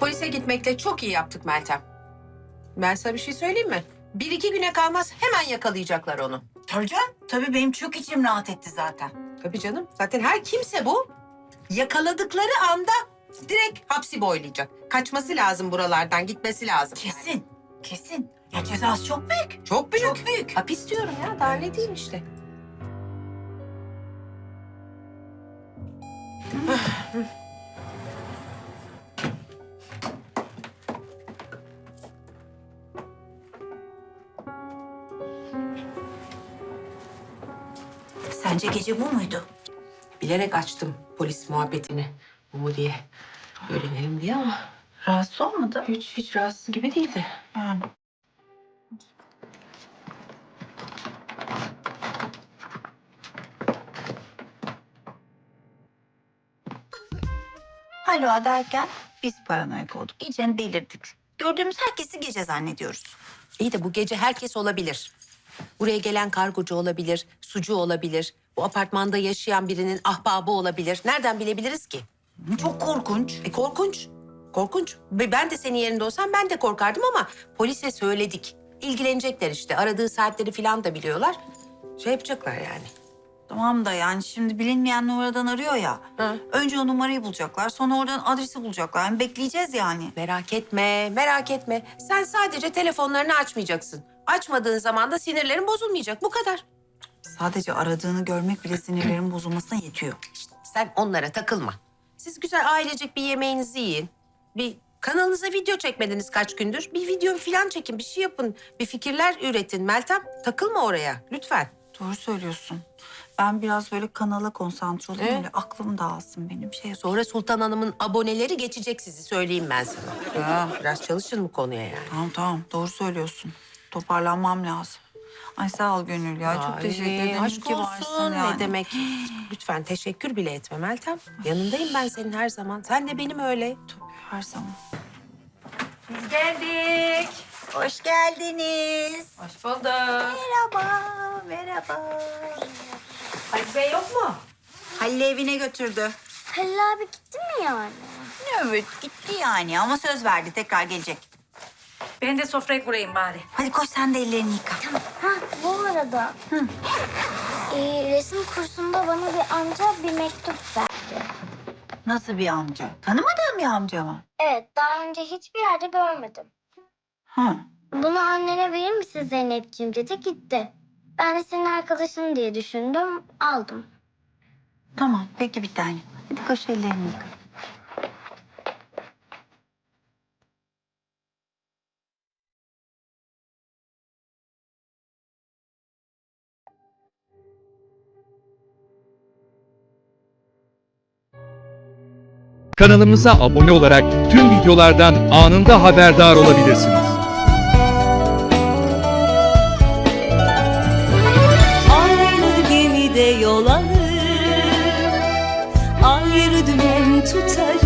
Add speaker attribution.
Speaker 1: polise gitmekle çok iyi yaptık Meltem. Ben sana bir şey söyleyeyim mi? 1-2 güne kalmaz hemen yakalayacaklar onu.
Speaker 2: Tabii canım. Tabii benim çok içim rahat etti zaten.
Speaker 1: Tabii canım. Zaten her kimse bu. Yakaladıkları anda direkt hapsi boylayacak. Kaçması lazım buralardan, gitmesi lazım.
Speaker 2: Kesin. Kesin. Ya cezası çok büyük.
Speaker 1: Çok büyük.
Speaker 2: Çok büyük.
Speaker 1: Hapis diyorum ya, daha ne diyeyim işte.
Speaker 2: Sence gece bu muydu?
Speaker 1: Bilerek açtım polis muhabbetini. Bu mu diye. Öğrenelim diye ama
Speaker 2: Rahatsız olmadı.
Speaker 1: hiç rahatsız gibi değildi.
Speaker 2: Yani. Alo derken biz paranoyak olduk. İyice delirdik. Gördüğümüz herkesi gece zannediyoruz.
Speaker 1: İyi de bu gece herkes olabilir. Buraya gelen kargocu olabilir, sucu olabilir. Bu apartmanda yaşayan birinin ahbabı olabilir. Nereden bilebiliriz ki?
Speaker 2: Çok korkunç.
Speaker 1: Korkunç. Korkunç. Ve ben de senin yerinde olsam ben de korkardım ama polise söyledik. İlgilenecekler işte. Aradığı saatleri falan da biliyorlar. Şey yapacaklar yani.
Speaker 2: Tamam da yani şimdi bilinmeyen numaradan arıyor ya.
Speaker 1: Hı.
Speaker 2: Önce o numarayı bulacaklar, sonra oradan adresi bulacaklar. Yani bekleyeceğiz yani.
Speaker 1: Merak etme, merak etme. Sen sadece telefonlarını açmayacaksın. Açmadığın zaman da sinirlerin bozulmayacak. Bu kadar.
Speaker 2: Sadece aradığını görmek bile sinirlerin bozulmasına yetiyor.
Speaker 1: Sen onlara takılma. Siz güzel ailecek bir yemeğinizi yiyin. Bir kanalınıza video çekmediniz kaç gündür. Bir video falan çekin, bir şey yapın. Bir fikirler üretin Meltem. Takılma oraya lütfen.
Speaker 2: Doğru söylüyorsun. Ben biraz böyle kanala konsantre olayım.
Speaker 1: Evet.
Speaker 2: Öyle aklım dağılsın benim.
Speaker 1: Sonra Sultan Hanım'ın aboneleri geçecek sizi söyleyeyim ben sana. Ya, biraz çalışın bu konuya yani.
Speaker 2: Tamam doğru söylüyorsun. Toparlanmam lazım. Ay sağ ol Gönül ya. Çok teşekkür ederim.
Speaker 1: Aşk
Speaker 2: ki
Speaker 1: olsun.
Speaker 2: varsın yani.
Speaker 1: Ne demek? Lütfen teşekkür bile etme Meltem. Yanındayım ben senin her zaman. Sen de benim öyle.
Speaker 2: Tabii her zaman.
Speaker 1: Biz geldik.
Speaker 2: Hoş geldiniz.
Speaker 1: Hoş bulduk.
Speaker 2: Merhaba, merhaba.
Speaker 1: Halil Bey yok mu?
Speaker 2: Halil evine götürdü.
Speaker 3: Halil abi gitti mi yani?
Speaker 2: Evet gitti yani ama söz verdi tekrar gelecek.
Speaker 4: Ben de sofrayı kurayım bari.
Speaker 2: Hadi koş sen de ellerini yıka.
Speaker 3: Ha bu arada resim kursunda bana bir amca bir mektup verdi.
Speaker 2: Nasıl bir amca? Tanımadığın bir amca mı?
Speaker 3: Evet daha önce hiçbir yerde görmedim.
Speaker 2: Hı.
Speaker 3: Bunu annene verir misin Zeynepciğim dedi gitti. Ben de senin arkadaşın diye düşündüm aldım.
Speaker 2: Tamam peki bir tane. Hadi koş ellerini yıka.
Speaker 5: Kanalımıza abone olarak tüm videolardan anında haberdar olabilirsiniz.
Speaker 6: Aynı gemide yol alır, ayrı dümen tutarız.